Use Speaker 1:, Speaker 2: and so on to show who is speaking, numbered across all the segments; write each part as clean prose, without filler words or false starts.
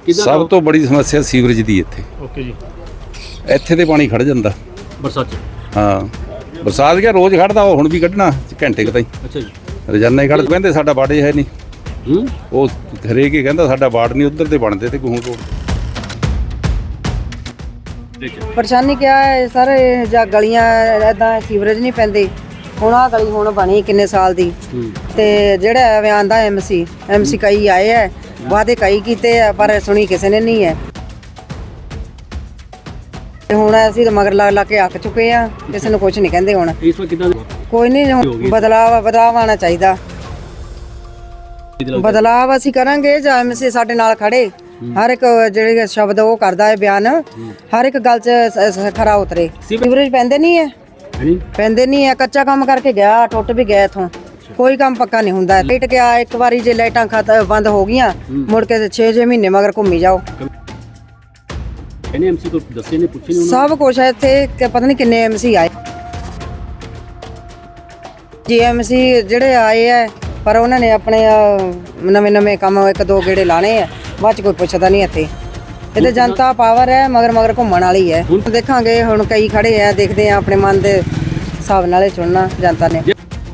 Speaker 1: ਸਭ ਤੋਂ ਬੜੀ ਸਮੱਸਿਆ ਸੀਵਰੇਜ ਦੀ ਇੱਥੇ।
Speaker 2: ਓਕੇ ਜੀ।
Speaker 1: ਇੱਥੇ ਤੇ ਪਾਣੀ ਖੜ ਜਾਂਦਾ
Speaker 2: ਬਰਸਾਤ 'ਚ।
Speaker 1: ਹਾਂ, ਬਰਸਾਤ ਗਿਆ ਰੋਜ਼ ਖੜਦਾ, ਉਹ ਹੁਣ ਵੀ ਕੱਢਣਾ ਘੰਟੇ ਕੁ ਤਾਈਂ।
Speaker 2: ਅੱਛਾ ਜੀ।
Speaker 1: ਰੋਜ਼ਾਨਾ ਹੀ ਖੜ੍ਹ ਕਹਿੰਦੇ ਸਾਡਾ ਵਾਰਡ ਹੈ ਨਹੀਂ। ਉਹ ਹਰੇਕ ਹੀ ਕਹਿੰਦਾ ਸਾਡਾ ਵਾਰਡ ਨਹੀਂ, ਉੱਧਰ ਦੇ ਬਣਦੇ ਤੇ ਗੂੰ ਰੋਡ।
Speaker 3: ਪਰੇਸ਼ਾਨੀ ਕਿਆ ਹੈ ਸਰ, ਇਹ ਜਾਂ ਗਲੀਆਂ ਇਦਾਂ ਸੀਵਰੇਜ ਨਹੀਂ ਪੈਂਦੇ। ਹੁਣ ਆਹ ਗਲੀ ਹੁਣ ਬਣੀ ਕਿੰਨੇ ਸਾਲ ਦੀ, ਤੇ ਜਿਹੜਾ ਐਵੇਂ ਆਂਦਾ ਐਮਸੀ ਕਈ ਆਏ ਹੈ, ਵਾਅਦੇ ਕਈ ਕੀਤੇ ਆ, ਪਰ ਸੁਣੀ ਕਿਸੇ ਨੇ ਨਹੀਂ ਹੈ। ਤੇ ਹੁਣ ਅਸੀਂ ਤਾਂ ਮਗਰ ਲਾ ਕੇ ਅੱਕ ਚੁੱਕੇ ਆ, ਕਿਸੇ ਨੂੰ ਕੁਝ ਨਹੀਂ ਕਹਿੰਦੇ। ਹੁਣ
Speaker 2: ਇਸ ਵਾਰ ਕਿਦਾਂ
Speaker 3: ਕੋਈ ਨਹੀਂ, ਬਦਲਾਵ ਆਉਣਾ ਚਾਹੀਦਾ। ਬਦਲਾਵ ਅਸੀਂ ਕਰਾਂਗੇ ਜਾਂ ਐਮਸੀ ਸਾਡੇ ਨਾਲ ਖੜੇ, ਹਰ ਇੱਕ ਜਿਹੜੇ ਸ਼ਬਦ ਉਹ ਕਰਦਾ ਹੈ ਬਿਆਨ, ਹਰ ਇੱਕ ਗੱਲ 'ਚ ਖਰਾ ਉਤਰੇ। ਸੀਵਰੇਜ ਪੈਂਦੇ ਨਹੀਂ ਹੈ, ਕੱਚਾ ਕੰਮ ਕਰਕੇ ਗਿਆ, ਟੁੱਟ ਵੀ ਗਿਆ ਇਥੋਂ। ਕੋਈ ਕੰਮ ਪੱਕਾ ਨਹੀਂ ਹੁੰਦਾ। ਲਾਈਟ ਗਿਆ ਇੱਕ ਵਾਰੀ, ਜੇ ਲਾਈਟਾਂ ਬੰਦ ਹੋ ਗਈਆਂ ਮੁੜ ਕੇ 6 ਮਹੀਨੇ ਮਗਰ ਘੁੰਮੀ ਜਾਓ।
Speaker 2: ਐਮਸੀ ਕੋਲ ਦੱਸੇ ਨੇ, ਪੁੱਛੇ ਨੇ
Speaker 3: ਸਭ ਕੁਝ ਹੈ ਇੱਥੇ, ਕਿ ਪਤਾ ਨਹੀਂ ਕਿੰਨੇ ਐਮਸੀ ਆਏ। ਜੀ ਐਮਸੀ ਜਿਹੜੇ ਆਏ ਹੈ, ਪਰ ਉਹਨਾਂ ਨੇ ਆਪਣੇ ਨਵੇਂ ਕੰਮ ਇੱਕ ਦੋ ਗੇੜੇ ਲਾਣੇ ਆ, ਬਾਅਦ 'ਚ ਕੋਈ ਪੁੱਛਦਾ ਨਹੀਂ ਇੱਥੇ। ਇਹ ਜਨਤਾ ਪਾਵਰ ਹੈ, ਮਗਰ ਘੁੰਮਣ ਵਾਲੀ ਹੈ। ਦੇਖਾਂਗੇ, ਹੁਣ ਕਈ ਖੜੇ ਆ, ਦੇਖਦੇ ਆ, ਆਪਣੇ ਮਨ ਦੇ ਹਿਸਾਬ ਨਾਲ ਚੁਣਨਾ ਜਨਤਾ ਨੇ।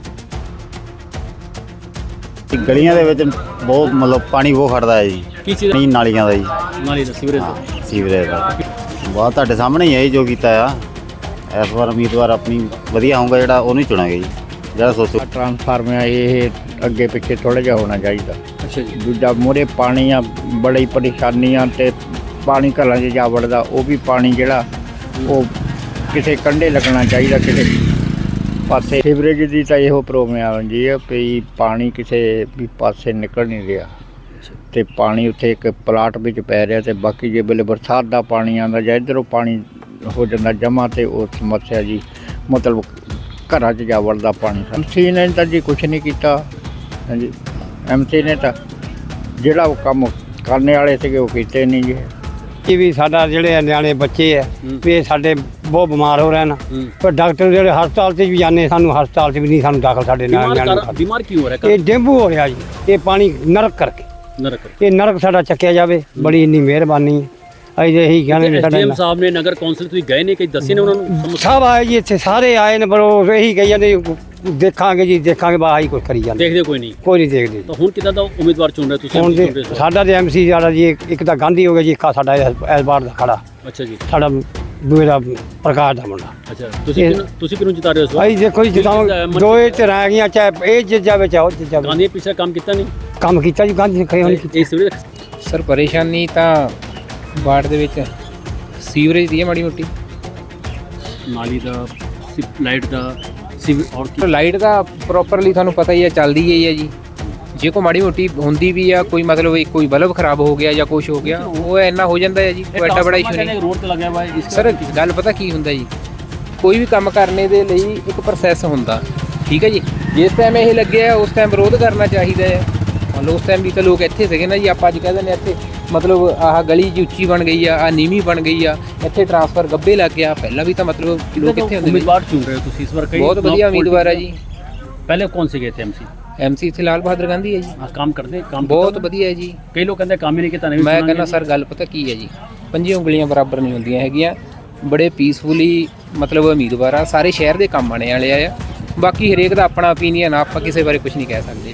Speaker 4: ਗਲੀਆਂ ਦੇ ਵਿੱਚ ਬਹੁਤ ਮਤਲਬ ਪਾਣੀ ਬਹੁਤ ਖੜਦਾ ਹੈ ਜੀ।
Speaker 2: ਕੀ ਚੀਜ਼?
Speaker 4: ਨਹੀਂ, ਨਾਲੀਆਂ ਦਾ ਜੀ।
Speaker 2: ਨਾਲੀ ਦਾ ਸੀਵਰੇਜ ਦਾ?
Speaker 4: ਸੀਵਰੇਜ ਦਾ ਬਹੁਤ ਤੁਹਾਡੇ ਸਾਹਮਣੇ ਹੀ ਹੈ ਜੋ ਕੀਤਾ ਆ। ਇਸ ਵਾਰ ਉਮੀਦਵਾਰ ਆਪਣੀ ਵਧੀਆ ਹੋਊਗਾ ਜਿਹੜਾ ਉਹਨੂੰ ਹੀ ਚੁਣਾਂਗੇ ਜੀ, ਜਿਹੜਾ ਸੋਚੋ।
Speaker 5: ਟਰਾਂਸਫਾਰਮਰ ਇਹ ਅੱਗੇ ਪਿੱਛੇ ਥੋੜ੍ਹਾ ਜਿਹਾ ਹੋਣਾ ਚਾਹੀਦਾ।
Speaker 2: ਅੱਛਾ ਜੀ।
Speaker 5: ਦੂਜਾ ਮੂਹਰੇ ਪਾਣੀ ਆ, ਬੜੀ ਪਰੇਸ਼ਾਨੀਆਂ, ਤੇ ਪਾਣੀ ਘਰਾਂ 'ਚ ਜਾ ਵੜਦਾ। ਉਹ ਵੀ ਪਾਣੀ ਜਿਹੜਾ ਉਹ ਕਿਸੇ ਕੰਢੇ ਲੱਗਣਾ ਚਾਹੀਦਾ, ਕਿਸੇ ਪਾਸੇ। ਸੀਵਰੇਜ ਦੀ ਤਾਂ ਇਹੋ ਪ੍ਰੋਬਲਮ ਆ ਜੀ ਵੀ ਪਾਣੀ ਕਿਸੇ ਵੀ ਪਾਸੇ ਨਿਕਲ ਨਹੀਂ ਰਿਹਾ, ਤੇ ਪਾਣੀ ਉੱਥੇ ਇੱਕ ਪਲਾਟ ਵਿੱਚ ਪੈ ਰਿਹਾ, ਤੇ ਬਾਕੀ ਜੇ ਵੇਲੇ ਬਰਸਾਤ ਦਾ ਪਾਣੀ ਆਉਂਦਾ ਜਾਂ ਇੱਧਰੋਂ ਪਾਣੀ ਹੋ ਜਾਂਦਾ ਜਮ੍ਹਾਂ, ਤੇ ਉਹ ਸਮੱਸਿਆ ਜੀ ਮਤਲਬ ਘਰਾਂ 'ਚ ਜਾ ਵੜਦਾ ਪਾਣੀ। ਐਮਸੀ ਨੇ ਤਾਂ ਜੀ ਕੁਛ ਨਹੀਂ ਕੀਤਾ। ਹਾਂਜੀ, ਐਮਸੀ ਨੇ ਤਾਂ ਜਿਹੜਾ ਉਹ ਕੰਮ ਕਰਨੇ ਵਾਲੇ ਸੀਗੇ ਉਹ ਕੀਤੇ ਨਹੀਂ ਜੀ।
Speaker 6: ਇਹ ਵੀ ਸਾਡਾ ਜਿਹੜੇ ਨਿਆਣੇ ਬੱਚੇ ਹੈ ਵੀ ਇਹ ਸਾਡੇ ਬਹੁਤ ਬਿਮਾਰ ਹੋ ਰਹੇ ਨੇ, ਪਰ ਡਾਕਟਰ ਜਿਹੜੇ ਹਸਪਤਾਲ 'ਚ ਵੀ ਜਾਂਦੇ, ਸਾਨੂੰ ਹਸਪਤਾਲ 'ਚ ਵੀ ਨਹੀਂ ਸਾਨੂੰ ਦਾਖਲ ਸਾਡੇ ਨਿਆਣੇ।
Speaker 2: ਬਿਮਾਰ ਕਿਉਂ ਹੋ ਰਿਹਾ?
Speaker 6: ਇਹ ਡੇਂਗੂ ਹੋ ਰਿਹਾ ਜੀ, ਇਹ ਪਾਣੀ ਨਰਕ ਕਰਕੇ। ਇਹ ਨਰਕ ਸਾਡਾ ਚੱਕਿਆ ਜਾਵੇ, ਬੜੀ ਇੰਨੀ ਮਿਹਰਬਾਨੀ ਹੈ। ਅਸੀਂ ਇਹੀ ਕਹਿੰਦੇ
Speaker 2: ਐਸਡੀਐਮ ਸਾਹਿਬ ਨੇ, ਨਗਰ ਕੌਂਸਲ ਤੁਸੀਂ ਗਏ ਨੇ, ਕਿ ਦੱਸੇ ਨੇ ਉਹਨਾਂ ਨੂੰ?
Speaker 6: ਸਭ ਆਏ ਜੀ ਇੱਥੇ, ਸਾਰੇ ਆਏ ਨੇ, ਪਰ ਉਹ ਇਹੀ ਕਹੀ ਜਾਂਦੇ ਦੇਖਾਂਗੇ ਜੀ, ਦੇਖਾਂਗੇ, ਬਸ ਆਹੀ ਕੁਝ ਕਰੀ ਜਾਂਦੇ।
Speaker 2: ਦੇਖਦੇ ਕੋਈ ਨਹੀਂ
Speaker 6: ਦੇਖਦੇ।
Speaker 2: ਤਾਂ ਹੁਣ ਕਿੱਦਾਂ ਦਾ ਉਮੀਦਵਾਰ ਚੁਣ ਰਹੇ ਤੁਸੀਂ?
Speaker 6: ਹੁਣ ਸਾਡਾ ਤੇ ਐਮਸੀ ਸਾਡਾ ਜੀ ਇੱਕ ਤਾਂ ਗਾਂਧੀ ਹੋ ਗਿਆ ਜੀ, ਇੱਕ ਸਾਡਾ ਇਸ ਵਾਰ ਦਾ ਖੜਾ।
Speaker 2: ਅੱਛਾ ਜੀ।
Speaker 6: ਸਾਡਾ ਦੂਏ ਦਾ ਪ੍ਰਕਾਸ਼ ਦਾ ਮੁੰਡਾ।
Speaker 2: ਅੱਛਾ, ਤੁਸੀਂ ਕਿਹਨੂੰ ਜਿਤਾ ਰਹੇ ਹੋ?
Speaker 6: ਅਸੀਂ ਦੇਖੋ ਜੀ, ਦੋਏ ਤੇ ਰਹਿ ਗਈਆਂ, ਚਾਹੇ ਇਹ ਜਿੱਤ ਜਾਵੇ ਚਾਹੇ ਉਹ ਜਿੱਤ ਜਾਵੇ।
Speaker 2: ਗਾਂਧੀ ਪਿਛਲਾ ਕੰਮ ਕੀਤਾ ਨਹੀਂ?
Speaker 6: ਕੰਮ ਕੀਤਾ ਜੀ, ਗਾਂਧੀ ਨੇ ਕਹੀ ਨਹੀਂ।
Speaker 7: ਸਰ ਪਰੇਸ਼ਾਨੀ ਤਾਂ ਵਾਰਡ ਦੇ ਵਿੱਚ ਸੀਵਰੇਜ ਦੀ ਹੈ, ਮਾੜੀ ਮੋਟੀ
Speaker 2: ਨਾਲੀ ਦਾ, ਲਾਈਟ ਦਾ, ਔਰ
Speaker 7: ਲਾਈਟ ਦਾ ਪ੍ਰੋਪਰਲੀ ਤੁਹਾਨੂੰ ਪਤਾ ਹੀ ਹੈ, ਚੱਲਦੀ ਹੀ ਹੈ ਜੀ। ਜੇ ਕੋਈ ਮਾੜੀ ਮੋਟੀ ਹੁੰਦੀ ਵੀ ਆ, ਕੋਈ ਮਤਲਬ ਕੋਈ ਬਲਬ ਖਰਾਬ ਹੋ ਗਿਆ ਜਾਂ ਕੁਝ ਹੋ ਗਿਆ, ਉਹ ਇੰਨਾ ਹੋ ਜਾਂਦਾ ਹੈ ਜੀ, ਕੋਈ ਐਡਾ ਬੜਾ ਇਸ਼ੂ ਨਹੀਂ।
Speaker 2: ਰੋਡ ਤੇ ਲੱਗਿਆ ਹੋਇਆ ਹੈ
Speaker 7: ਸਰ। ਗੱਲ ਪਤਾ ਕੀ ਹੁੰਦਾ ਜੀ, ਕੋਈ ਵੀ ਕੰਮ ਕਰਨੇ ਦੇ ਲਈ ਇੱਕ ਪ੍ਰੋਸੈਸ ਹੁੰਦਾ, ਠੀਕ ਹੈ ਜੀ। ਜਿਸ ਟਾਈਮ ਇਹ ਲੱਗਿਆ ਉਸ ਟਾਈਮ ਵਿਰੋਧ ਕਰਨਾ ਚਾਹੀਦਾ ਹੈ। ਮੰਨ ਲਓ ਉਸ ਟਾਈਮ ਵੀ ਤਾਂ ਲੋਕ ਇੱਥੇ ਸੀਗੇ ਨਾ ਜੀ, ਆਪਾਂ ਅੱਜ ਕਹਿ ਦਿੰਦੇ ਇੱਥੇ ਮਤਲਬ ਆਹ ਗਲੀ ਜੀ ਉੱਚੀ ਬਣ ਗਈ ਆ, ਆਹ ਨੀਵੀਂ ਬਣ ਗਈ ਆ, ਇੱਥੇ ਟਰਾਂਸਫਰ ਗੱਬੇ ਲੱਗ ਗਿਆ। ਪਹਿਲਾਂ ਵੀ ਤਾਂ ਮਤਲਬ ਲੋਕ ਕਿੱਥੇ ਹੁੰਦੇ।
Speaker 2: ਉਮੀਦਵਾਰ ਚੁਣ ਰਹੇ ਹੋ ਤੁਸੀਂ ਇਸ ਵਾਰ?
Speaker 7: ਬਹੁਤ ਵਧੀਆ ਉਮੀਦਵਾਰ ਹੈ ਜੀ।
Speaker 2: ਪਹਿਲੇ ਕੌਣ ਸੀਗੇ ਇੱਥੇ ਐਮਸੀ?
Speaker 7: ਐਮਸੀ ਇੱਥੇ ਲਾਲ ਬਹਾਦਰ ਗਾਂਧੀ ਹੈ ਜੀ।
Speaker 2: ਕੰਮ ਕਰਦੇ? ਕੰਮ
Speaker 7: ਬਹੁਤ ਵਧੀਆ ਹੈ ਜੀ।
Speaker 2: ਕਈ ਲੋਕ ਕਹਿੰਦੇ ਕੰਮ ਹੀ ਨਹੀਂ ਕੀਤਾ।
Speaker 7: ਮੈਂ ਕਹਿੰਦਾ ਸਰ, ਗੱਲ ਪਤਾ ਕੀ ਹੈ ਜੀ, 5 ਉਂਗਲੀਆਂ ਬਰਾਬਰ ਨਹੀਂ ਹੁੰਦੀਆਂ ਹੈਗੀਆਂ। ਬੜੇ ਪੀਸਫੁਲੀ ਮਤਲਬ ਉਮੀਦਵਾਰ ਆ, ਸਾਰੇ ਸ਼ਹਿਰ ਦੇ ਕੰਮ ਆਣੇ ਵਾਲੇ ਆ। ਬਾਕੀ ਹਰੇਕ ਦਾ ਆਪਣਾ ਓਪੀਨੀਅਨ ਆ, ਆਪਾਂ ਕਿਸੇ ਬਾਰੇ ਕੁਝ ਨਹੀਂ ਕਹਿ ਸਕਦੇ।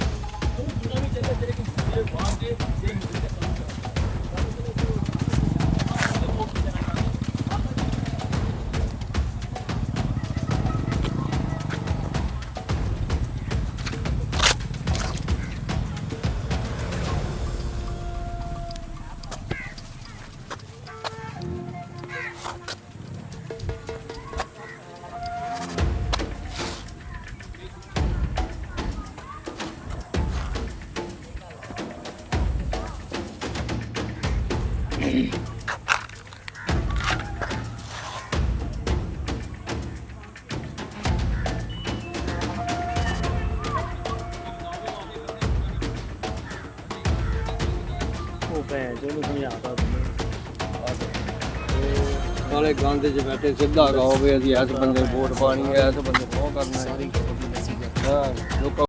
Speaker 8: ਨਾਲੇ ਗੰਦ 'ਚ ਬੈਠੇ ਸਿੱਧਾ ਕਹੋ ਵੀ ਅਸੀਂ ਇਸ ਬੰਦੇ ਵੋਟ ਪਾਣੀ ਹੈ, ਇਸ ਬੰਦੇ ਉਹ ਕਰਨਾ ਹੈ।